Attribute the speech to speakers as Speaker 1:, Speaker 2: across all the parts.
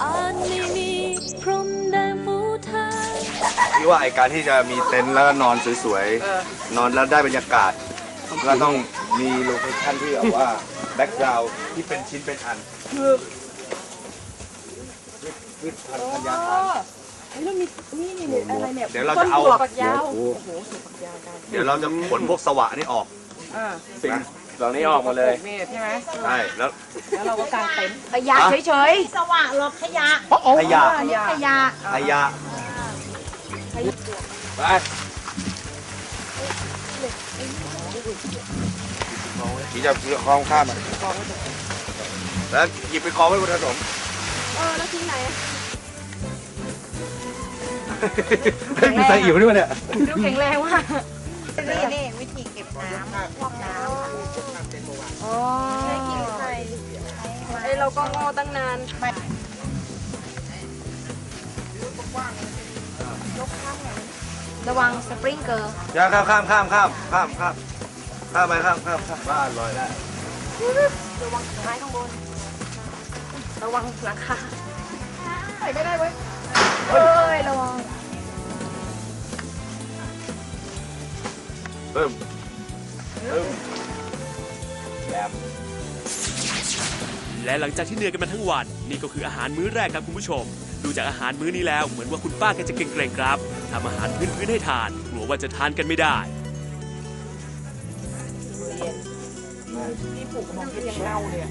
Speaker 1: ที่ว่าไอการที่จะมีเต็นท์แล้วก็นอนสวยๆนอนแล้วได้บรรยากาศก็ต้องมีโลเคชั่นที่แบบว่าแบ็กกราวด์ที่เป็นชิ้นเป็นอันพืชพันธุ์ธัญญาหาร
Speaker 2: แล้วมีนี่อะไรเนี่ย
Speaker 1: เดี๋ยวเราจะเอา
Speaker 2: ฝักยาวโอ้โหฝักยาวกัน
Speaker 1: เดี๋ยวเราจะขนพวกสวะนี่ออก
Speaker 3: สิ่งเหล่านี้ออกมาเลย
Speaker 2: ใช่ไหม
Speaker 1: ใช่แล้ว
Speaker 2: เราก็กางเต็นท์
Speaker 4: ขยะเฉยๆสว่างหรอกขยะ
Speaker 1: ขยะ
Speaker 4: ขยะ
Speaker 1: ขยะไปขี่จะคล้องข้ามมาแล้วหยิบไปคล้องไว้บนถนน
Speaker 4: แล้วทิ้งไหน
Speaker 1: ไม่ใส่อิ่มด้วยเนี่ย
Speaker 4: ดูแข็งแรงว่ะนี่วิธีเก็บน้ำพวกน้ำอ๋อใช้กินใส่
Speaker 2: เราก็งอตั้งนาน
Speaker 4: ระวังสปริงเกอร์
Speaker 1: อย่าข้ามไปบ้านลอยได้
Speaker 4: ระวังไม้ข้างบนระวังหลังคาใส่ไม่ได้เว้ยระวัง
Speaker 5: และหลังจากที่เหนื่อยกันมาทั้งวันนี่ก็คืออาหารมื้อแรกครับคุณผู้ชมดูจากอาหารมื้อนี้แล้วเหมือนว่าคุณป้าแกจะเกรงๆครับทำอาหารพื้นๆให้ทานกลัวว่าจะทานกันไม่ได้
Speaker 2: ที่ปลูกกระบอกที่ยังเน่าเลย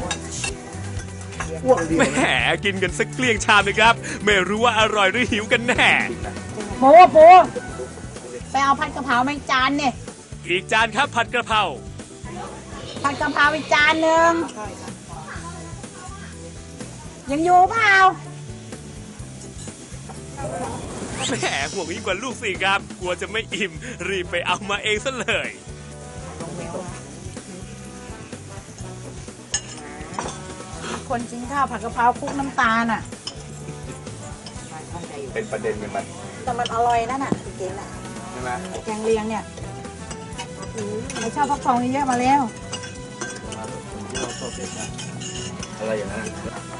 Speaker 5: แหมกินกันสักเกลี้ยงชามเลยครับไม่รู้ว่าอร่อยหรือหิวกันแน่
Speaker 4: โบไปเอาผัดกะเพรามาจานเนี่ย
Speaker 5: อีกจานครับผัดกระเพรา
Speaker 4: ผัดกะเพราอีกจานหนึ่งยังอยู่เปล่า
Speaker 5: แหมห่วงยิ่งกว่าลูกสิครับกลัวจะไม่อิ่มรีบไปเอามาเองซะเลย
Speaker 4: คนกินข้าวผัดกะเพราคลุกน้ำตาลอ่ะ
Speaker 1: เป็นประเด็นกันมัน
Speaker 4: แต่มันอร่อยนั่นน่ะจริงๆน่ะ
Speaker 1: ใช่ไหม
Speaker 4: แกงเลียงเนี่ยไม่ชอบฟักทองเยอะมาแล้ว
Speaker 1: อะไรอย่างนั้น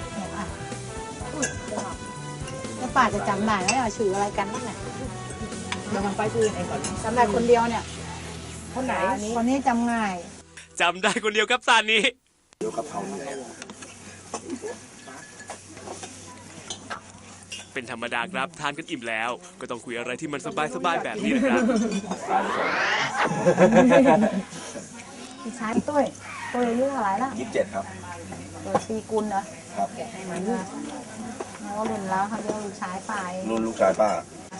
Speaker 4: แล้วป้าจะจำได้ไหมว่าชื่ออะไรกันนั่นแหละ
Speaker 2: เดี๋ยวมันไปชื่อไอ้ก่อน
Speaker 4: จำได้คนเดียวเนี่ย
Speaker 2: คนไหน
Speaker 4: คนนี้จำง่าย
Speaker 5: จำได้คนเดียวครับซานนี้
Speaker 1: เดี๋ยวกะเพรา
Speaker 5: เป็นธรรมดาครับทานกันอิ่มแล้วก็ต้องคุยอะไรที่มันสบายๆแบบนี้นะครับ
Speaker 4: พี่ชายตุ้ยอายุเท่าไหร่ละ
Speaker 1: 27ครับ
Speaker 4: ปีกุลเหรอ
Speaker 1: ครับ
Speaker 4: แล้วรุ่นแล้วเขาเรียกลูกชายไป
Speaker 1: รุ่นลูกชายป้า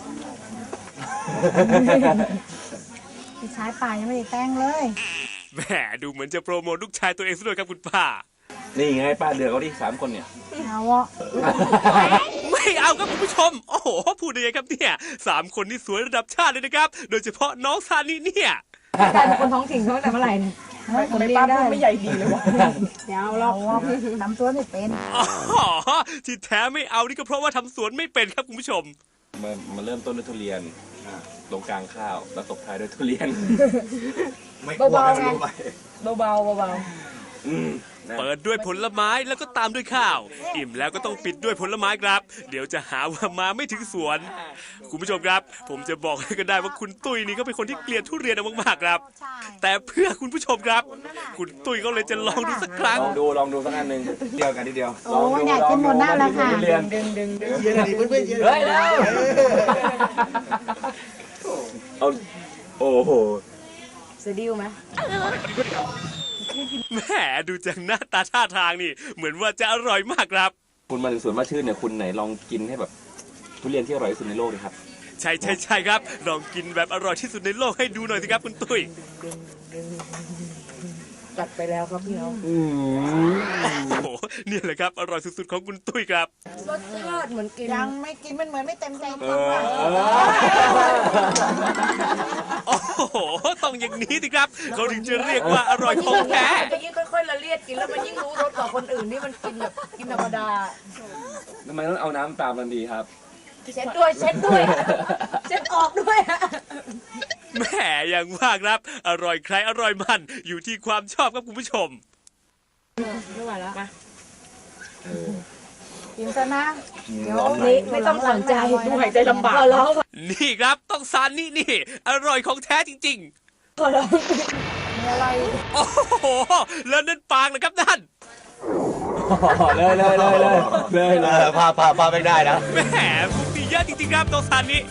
Speaker 4: พี่ชายไปยังไม่ได้แต่งเลย
Speaker 5: แหมดูเหมือนจะโปรโมทลูกชายตัวเองซะด้วยครับคุณป้า
Speaker 3: นี่ไงป้าเดือดเขาดิ3 คนเนี่ย
Speaker 4: เอาวะ
Speaker 5: ไม่เอาครับคุณผู้ชมโอ้โหพูดได้ไงครับเนี่ย3 คนนี่สวยระดับชาติเลยนะครับโดยเฉพาะน้องซานี่เนี่ย
Speaker 2: กลายเป็นคนท้องถิ่นเขาแต่เมื่อไหร่เนี่ยคนเลี้ยงได้ไม่ใหญ่ดีเลยวะ
Speaker 4: เดี๋ยวเราทำสวนไม่เป็น
Speaker 5: อ๋อที่แท้ไม่เอานี่ก็เพราะว่าทำสวนไม่เป็นครับคุณผู้ชม
Speaker 3: มันเริ่มต้นด้วยทุเรียนตรงกลางข้าวแล้วตบท้ายด้วยทุเรียน
Speaker 1: เบาๆไง
Speaker 2: เบา
Speaker 5: เปิดด้วยผลไม้แล้วก็ตามด้วยข้าวอิ่มแล้วก็ต้องปิดด้วยผลไม้ครับเดี๋ยวจะหาว่ามาไม่ถึงสวนคุณผู้ชมครับผมจะบอกให้ก็ได้ว่าคุณตุ้ยนี่ก็เป็นคนที่เกลียดทุเรียนมากๆครับแต่เพื่อคุณผู้ชมครับคุณตุ้ยก็เลยจะลองดูสักครั้ง
Speaker 3: ลองดูสักอันหนึ่ง
Speaker 1: เดียวกันทีเดียว
Speaker 4: โอ้อยากกินหมดหน้าแล้วค่ะ
Speaker 2: ดึง
Speaker 1: เยอะดีเพื่อนๆเยอะ
Speaker 3: เลยเอาโอ้โห
Speaker 2: เสดิวไหม
Speaker 5: แหมดูจากหน้าตาท่าทางนี่เหมือนว่าจะอร่อยมากครับ
Speaker 3: คุณมาถึงสวนมาชื่นเนี่ยคุณไหนลองกินให้แบบทุเรียนที่อร่อยที่สุดในโลกเลยครับ
Speaker 5: ใช่ครับลองกินแบบอร่อยที่สุดในโลกให้ดูหน่อยสิครับคุณตุ้ย
Speaker 2: จัดไปแล้วครับพี่น้อง
Speaker 5: โอ้โหนี่แหละครับอร่อยสุดๆของคุณตุ้ยครับ
Speaker 2: รสชาติเหมือนกิน
Speaker 4: ยังไม่กินมันเหมือนไม่เต็มใจ
Speaker 5: โอ้โหต้องอย่างนี้สิครับเขาถึงจะเรียกว่าอร่อยของแท้
Speaker 2: จะยิ่งค่อยๆละเลียดกินแล้วมันยิ่งรู้รสกว่าคนอื่นที่มันกินแบบกินธรรมดา
Speaker 3: ทำไมต้องเอาน้ำตามมันดีครับ
Speaker 4: เช็ดออกด้วย
Speaker 5: แหมอย่างว่าครับอร่อยใครอร่อยมันอยู่ที่ความชอบครับคุณผู้ชม
Speaker 2: ไม่ไหวแล้วมากินซะนะเดี๋ยว
Speaker 4: นี่ไม่ต้องสนใจดูหายใจลำบากขอร้อง
Speaker 5: นี่ครับต้องซานนี่นี่ อร่อยของแท้จริง
Speaker 4: ขอร้อง
Speaker 2: มีอะไร
Speaker 5: ๆ โอ้โห แล้วนั่นปางนะครับนั่น
Speaker 1: เลยพาไปได้นะ
Speaker 5: แหมมุกมีเยอะจริงๆครับต้องซานนี่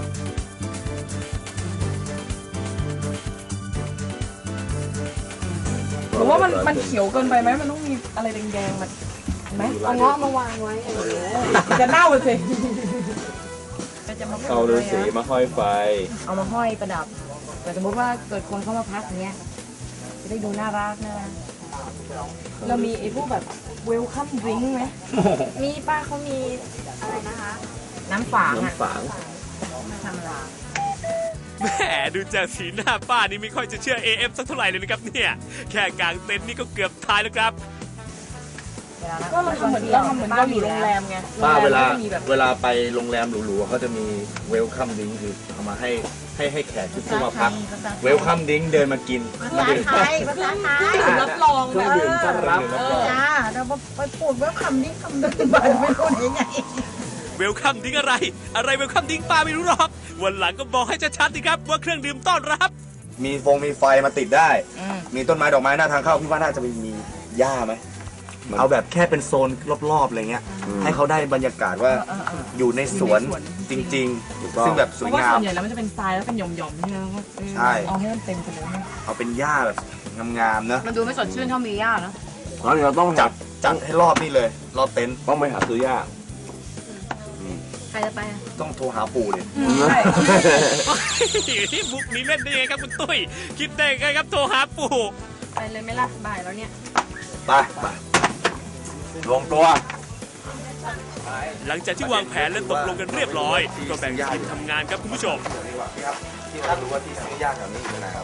Speaker 4: ผมว่ามันเขียวเกินไปไหมมันต้องมีอะไรแดงๆมันไหมเอาเงาะมาวางไว้มันจะเน่าเลยสิ
Speaker 2: จะมา
Speaker 3: เอาฤาษีมาห้อยไฟ
Speaker 2: เอามาห้อยประดับ แต่สมมติว่าเกิดคนเข้ามาพักอย่างเงี้ยจะได้ดูน่ารักนะ
Speaker 4: เรามีไอ้พวกแบบเวลคัมดริงก์ไหม
Speaker 2: มีป้าเขามีอะไรนะคะ น้ำฝางอ่ะ
Speaker 3: ฝาง
Speaker 2: ไม่ธรรมดา
Speaker 5: แหมดูจากสีหน้าป้านี่ไม่ค่อยจะเชื่อ AF สักเท่าไหร่เลยนะครับเนี่ย แค่กางเต็นท์นี่ก็เกือบตายแล้วครับ
Speaker 4: ก็เราทำเหมือนเราอยู่โรงแรมไง
Speaker 1: ป้าเวลา
Speaker 4: โรงแรมก็จะมีแบบ
Speaker 1: เวลาไปโรงแรมหรูๆเขาจะมีเวลคัมดิ้งคือเอามาให้แขกที่มาพักเวลคัมดิ้งเดินมากิน
Speaker 2: ภาษาไทยภาษาไทย
Speaker 4: รับรองแบบ
Speaker 2: จ้าเราไปพูดว่าคำนี้คำนึงไปไม่รู้ได้ไง
Speaker 5: เวลคัมดิ้งอะไร อะไรเวลคัมดิ้งป้าไม่รู้หรอก วันหลังก็บอกให้ชัดๆสิครับว่าเครื่องดื่มต้อนรับ
Speaker 1: มีไฟมาติดได้ มีต้นไม้ดอกไม้หน้าทางเข้าพี่ว่าน่าจะมีหญ้าไหมเอาแบบแค่เป็นโซนรอบๆอะไรเงี้ย ให้เขาได้บรรยากาศว่าอยู่ในสวนจริงๆ ซึ่งแบบส
Speaker 4: เพ
Speaker 1: วย
Speaker 4: ราะว่า
Speaker 1: งาม
Speaker 4: ส่วนใหญ่แล้วมันจะเป็นทรายแล้วเป็นหย่อมๆใช่ไหม
Speaker 1: ใช่
Speaker 4: เอาให้มันเต็มไปเลย
Speaker 1: เอาเป็นหญ้าแบบงามๆนะ
Speaker 2: มันดูไม่สดชื่นเท่ามีย่านะ
Speaker 3: แล้วเราต้อง
Speaker 1: จัดให้รอบนี่เลย รอบเต็นท์
Speaker 3: ต้องไปหาซื้อยาก
Speaker 2: ใครจะไปอ่ะ
Speaker 1: ต้องโทรหาปู่เลย
Speaker 4: ใช่
Speaker 5: ที่มุกนี้เล่นได้ยังไงครับคุณตุ้ย คิดได้ไงครับโทรหาปู่
Speaker 4: ไปเลยไหมล่ะบ่ายแล้วเนี่ย
Speaker 1: ไปรวมตัว
Speaker 5: หลังจากที่วางแผนและตกลงกันเรียบร้อย ก็แบ่งทีมทำงานครับคุณผู้ชม
Speaker 1: ที่ท่านรู้ว่าที่ซื้อยากแถวนี้อยู่ไหนครับ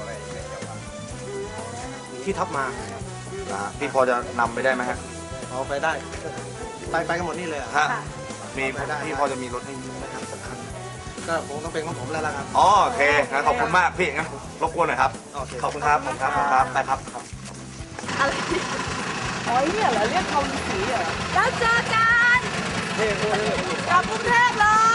Speaker 1: ที่ทับมาพี่พอจะนำไปได้ไหมฮะ
Speaker 6: เอาไปได้ ไปกันหมดนี่เลยอะ
Speaker 1: ฮะมีพี่พอจะมีรถให้ยืมไหมครับสักคัน
Speaker 6: ก็คงต้องเป็นของผมแล้วล่ะครับ
Speaker 1: อ๋อโอเคงั้นขอบคุณมากพี่งั้นรบกวนหน่อยครับ
Speaker 6: โอเค
Speaker 1: ขอบคุณครับขอบคุณครับไปครับ
Speaker 4: อ๋อเนี่ยเหรอเรียกทอมสีเหรอ
Speaker 2: แล้วเจอกันกลับกรุงเทพเลย